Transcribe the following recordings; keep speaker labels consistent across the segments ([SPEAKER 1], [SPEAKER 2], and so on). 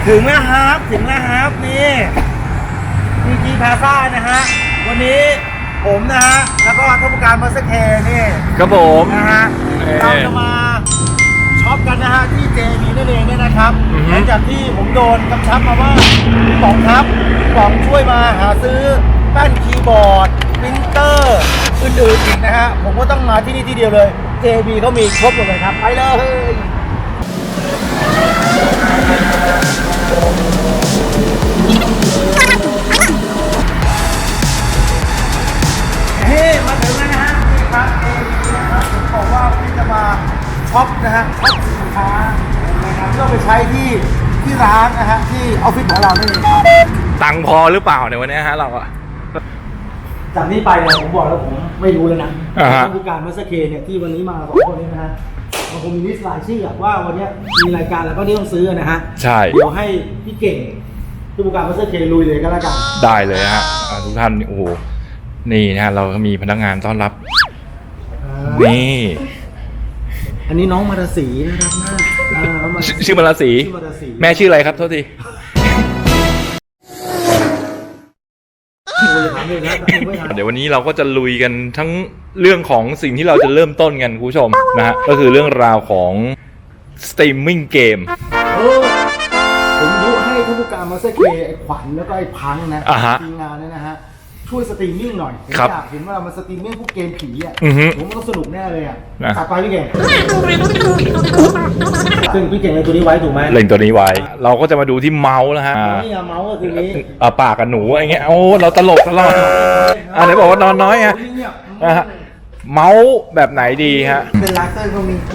[SPEAKER 1] ถึงแล้วครับนี่จีพาซ่านะฮะวันนี้ผมนะฮะแล้วก็ท่านผู้การมาสเตอร์นี่
[SPEAKER 2] ครับผม
[SPEAKER 1] นะฮะเราจะมาช็อปกันนะฮะที่ JB นั่นเองเนี่ยนะครับหลังจากที่ผมโดนกำชับมาว่าป๋องครับป๋องช่วยมาหาซื้อแป้นคีย์บอร์ดปรินเตอร์อื่นๆอีกนะฮะผมก็ต้องมาที่นี่ที่เดียวเลย JB เขามีครบหมดเลยครับไปเลยมาถึงแล้วนะฮะนี่ครับผมบอกว่าพี่จะมาช็อปนะฮะช็อปสินค้านะครับเพื่อไปใช้ที่ร้านนะฮะที่ออฟฟิศของเรานี่เองครับ
[SPEAKER 2] ตังค์พอหรือเปล่าในวันนี้ฮะเราอะ
[SPEAKER 1] จากนี้ไปเนี่ยผมบอกแล้วผมไม่รู้เลยนะผู้การมาสเตอร์เนี่ยที่วันนี้มาสองคนนี้นะฮะมันคงมีลิสต์รายชื่อว่าวันนี้มีรายการแล้วก็ที่ต้องซื้อนะฮะ
[SPEAKER 2] ใช่
[SPEAKER 1] เดี๋ยวให้พี่เก่งผู้การมาสเตอร์ลุยเลยก็แล้วกัน
[SPEAKER 2] ได้เลยฮะทุกท่านโอ้โหนี่นะเราก็มีพนักงานต้อนรับนี่
[SPEAKER 1] อันนี้น้องมาราศีนะครับ
[SPEAKER 2] ชื่อมาราศีแม่ชื่ออะไรครับโทษทีเดี๋ยววันนี้เราก็จะลุยกันทั้งเรื่องของสิ่งที่เราจะเริ่มต้นกันคุณผู้ชมนะฮะก็คือเรื่องราวของสตรีมมิ่งเกม
[SPEAKER 1] ผมยุให้ท่านผู้การมาสเตอร์ไอ้ขวัญแล้วก็ไอ้พังนะทีมงานนะฮะช่วยสตรีมมิ่งหน่อยผมอยากเห็นว่าเรามาสตรีมมิ่งพวกเกมผีอ่ะผมต้องสนุกแน่เลยอ่ะตัดไปพี่เก่งซึ่งพี่เก่งเล่นตัวนี้ไว้ถูกไหม
[SPEAKER 2] เล่นตัวนี้ไว้เราก็จะมาดูที่เมาส์นะฮะ
[SPEAKER 1] นี่เมาส์ก็คือนี้
[SPEAKER 2] ปากกับหนูอะไรเงี้ยโอ้เราตลกตลอดไหนบอกว่านอนน้อยฮะเมาส์แบบไหนดีฮะ
[SPEAKER 1] เป็นลาเซอร์เขามี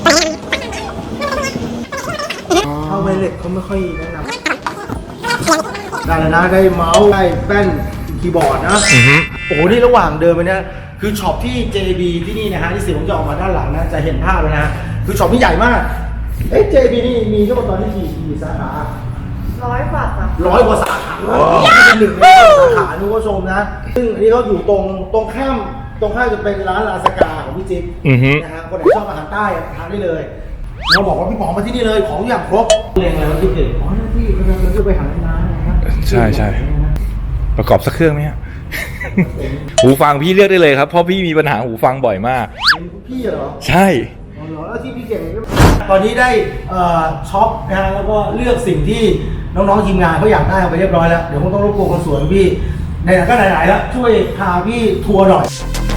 [SPEAKER 1] เข้าไวเลสเขาไม่ค่อยแนะนำได้แล้วนะได้เมาส์ได้แป้นคีย์บอร์ดนะโอ้โหนี่ระหว่างเดินไปเนี่ยคือช็อปที่ JB ที่นี่นะฮะที่เสียงผมจะออกมาด้านหลังนะจะเห็นภาพเลยนะคือช็อปที่ใหญ่มากJB นี่มีทั้งหมดตอนนี้กี่สาขา
[SPEAKER 3] 100 กว่า
[SPEAKER 1] สาขาเป็นหนึ่งในสาขาทุกผู้ชมนะซึ่งอันนี้เขาอยู่ตรงข้ามจะเป็นร้านลาสกาของพี่จิ๊บนะฮะคนไหนชอบอาหารใต้ทานได้เลยเราบอกว่าพี่ป๋องมาที่นี่เลยของอย่างครบเรียงอะไรวะพี่เก่งอ๋อที่เราจะไปหาร้านนะครับ
[SPEAKER 2] ใช่ประกอบสักเครื่องไหมฮะหูฟังพี่เลือกได้เลยครับเพราะพี่มีปัญหาหูฟังบ่อยมาก
[SPEAKER 1] พี่เหรอ
[SPEAKER 2] ใช่
[SPEAKER 1] แล้วที่พี่เก่งตอนนี้ได้ช็อปนะฮะแล้วก็เลือกสิ่งที่น้องๆทีมงานเขาอยากได้ไปเรียบร้อยแล้วเดี๋ยวคงต้องรบกวนคนสวนพี่ไหนๆก็ไหนๆแล้วช่วยพาพี่ทัวร์หน่อย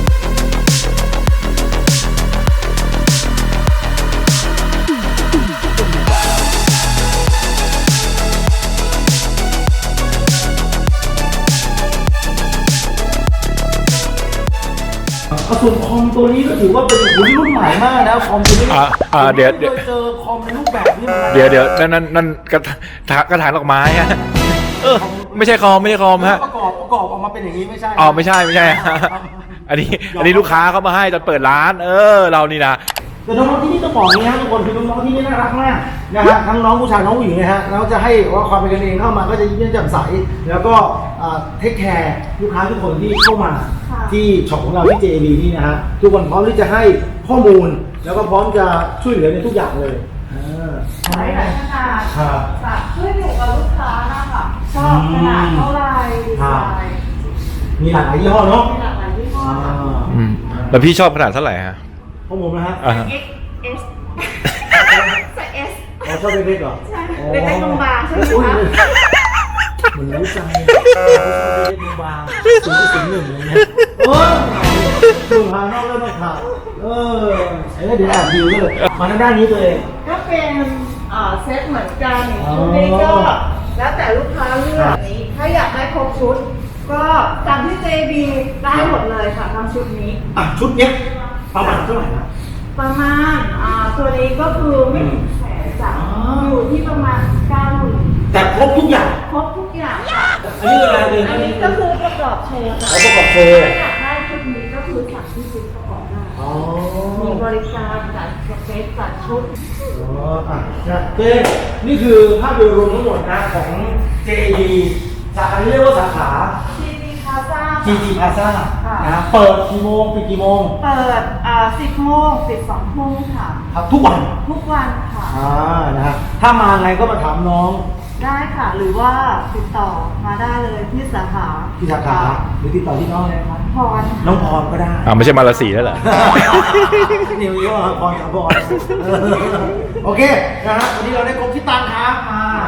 [SPEAKER 1] ส่วนคอมตัวนี้ก็ถือว่าเป็นรุ่นใหม่มากนะคอมตัวนี้
[SPEAKER 2] เดี๋ยว
[SPEAKER 1] เจอคอมในรูปแบบนี้
[SPEAKER 2] เดี๋ยวนั่นกระถางดอกไม้ฮะไม่ใช่คอมฮะ
[SPEAKER 1] ประกอบออกมาเป็นอย่างนี้ไม่ใช่
[SPEAKER 2] ไม่ใช่อันนี้ลูกค้าเขามาให้ตอนเปิดร้านเรานี่นะ
[SPEAKER 1] แต่น้องๆที่นี่ต้องบอกนี้ฮะทุกคนคือน้องๆที่นี่น่ารักมากนะฮะทั้งน้องผู้ชายน้องผู้หญิงนะฮะแล้วจะให้ว่าความเป็นกันเองเข้ามาก็จะยิ้มแย้มใสแล้วก็เทคแคร์ลูกค้าทุกคนที่เข้ามาที่ช็อปของเราที่ JB นี่นะฮะทุกคนพร้อมที่จะให้ข้อมูลแล้วก็พร้อมจะช่วยเหลือในทุกอย่างเลย
[SPEAKER 3] หลายขนาดขึ้นอยู่กับลูกค้านะคะชอบขนาดเท่าไรดีไซน์
[SPEAKER 1] มีหลากหลายยี่ห้อเนาะ
[SPEAKER 3] มีหลากหลายยี่ห้อ
[SPEAKER 2] แล้วพี่ชอบขนาดเท่าไหร่ฮะ
[SPEAKER 1] ของผมนะฮะ
[SPEAKER 3] XS ใส่ S
[SPEAKER 1] ชอบเล็กๆเหรอ
[SPEAKER 3] ใช่เล็กๆบางๆใช่ไหมคะ
[SPEAKER 1] เหมือนรู้ใจชอบเล็กๆบางๆ0.01เลยเนี่ยดูหานอกแล้วนอกขาไอ้เดี๋ยวแอบดิวเลยมาด้านนี้ตัวเอง
[SPEAKER 3] ก็เป็นเซตเหมือนกันชุดนี้ก็แล้วแต่ลูกค้าเลือกนี้ถ้าอยากได้ครบชุดก็ตามที่ JB ได้หมดเลยค่ะทำชุดนี้
[SPEAKER 1] ชุดเนี้ยประมาณเท่าไหร่นะ
[SPEAKER 3] ประมาณตัวนี้ก็คือไม่ถึง100,000จ้ะอยู่ที่ประมาณ90,000
[SPEAKER 1] แต่ครบทุกอย่าง
[SPEAKER 3] ครบทุกอย่างค่ะ
[SPEAKER 1] อันนี้อะไรเลย
[SPEAKER 3] อันนี้ก็คือประกอบโชว์ค่ะ
[SPEAKER 1] ประกอบโชว์
[SPEAKER 3] อยากได้ชุดนี้ก็คือสั่งที่ชุดประกอบได้มีบริการจัดเซตจัดชุด
[SPEAKER 1] นี่คือภาพโดยรวมทั้งหมดนะของ JB สาขาเรียกว่าสาขา GG Plaza นะเปิดกี่โมงปิดกี่โมง
[SPEAKER 3] เปิด10 โมงปิด2 ทุ่มค่ะ
[SPEAKER 1] ทุกวัน
[SPEAKER 3] ค่ะ
[SPEAKER 1] นะฮะถ้ามาไงก็มาถามน้อง
[SPEAKER 3] ได้ค่ะ หรือว่าติดต่อมาได้เลยที่สาขา
[SPEAKER 1] ที่สาขาหรือติดต่อที่น้องเลยครับ
[SPEAKER 3] พร
[SPEAKER 1] น้องพรก็ได้
[SPEAKER 2] ไม่ใช่มาลาสีแล้วเหรอ
[SPEAKER 1] นิวเยอะพรกับพรโอเคนะฮะวันนี้เราได้ครบที่ตังครับมา